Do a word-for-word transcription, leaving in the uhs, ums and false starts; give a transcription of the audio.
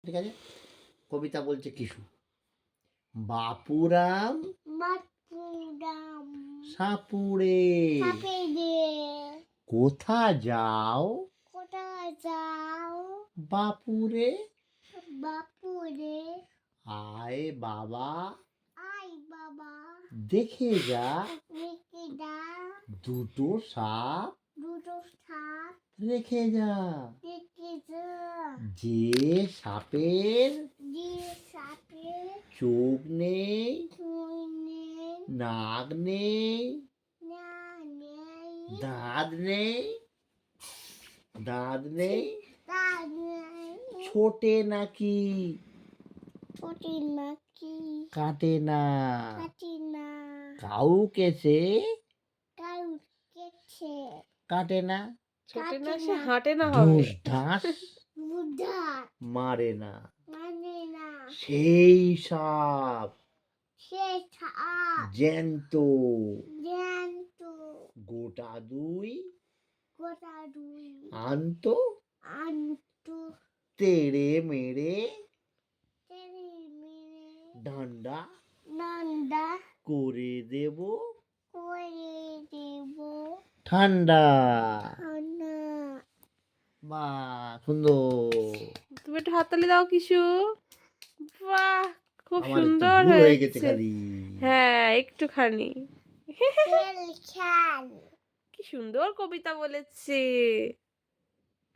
ঠিক আছে, কবিতা বলছে কিছু। বাপুরাম বাপুরাম সাপুড়ে সাপেরে কোথা যাও কোথায় যাও বাপুরে বাপুরে আয় বাবা আই বাবা দেখে যা রেখে দা দুটো সাপ দুটো সাপ রেখে যা রেখে যা যে সাপের যে সাপের চোখ নেই শুনে নাক নেই না নেই দাঁত নেই দাঁত নেই তা নেই ছোটে নাকি ছোটি নাকি কাটে না কাটি না কাউকে সে কাউ কেছে কাটে না ছোটে না কাটে সে না হাঁটে না হবে ঢুস ঢাস বুদ্ধা মারে না মানে না সেই সাপ সে সাপ জ্যান্ত জ্যান্ত গোটা দুই গোটা দুই আনতো আন্তু তেড়ে মেরে তেরে মেরে ডান্ডা নন্দা করে দেব করে দেব ঠান্ডা। না বা সুন্দর, তুমি একটু হাততালি দাও কিছু। বাহ, খুব আমার একটু সুন্দর ভুল হয়ে গেছে হয়েছে। খালি। হ্যাঁ, একটুখানি। খেল খেল কি সুন্দর কবিতা বলেছে।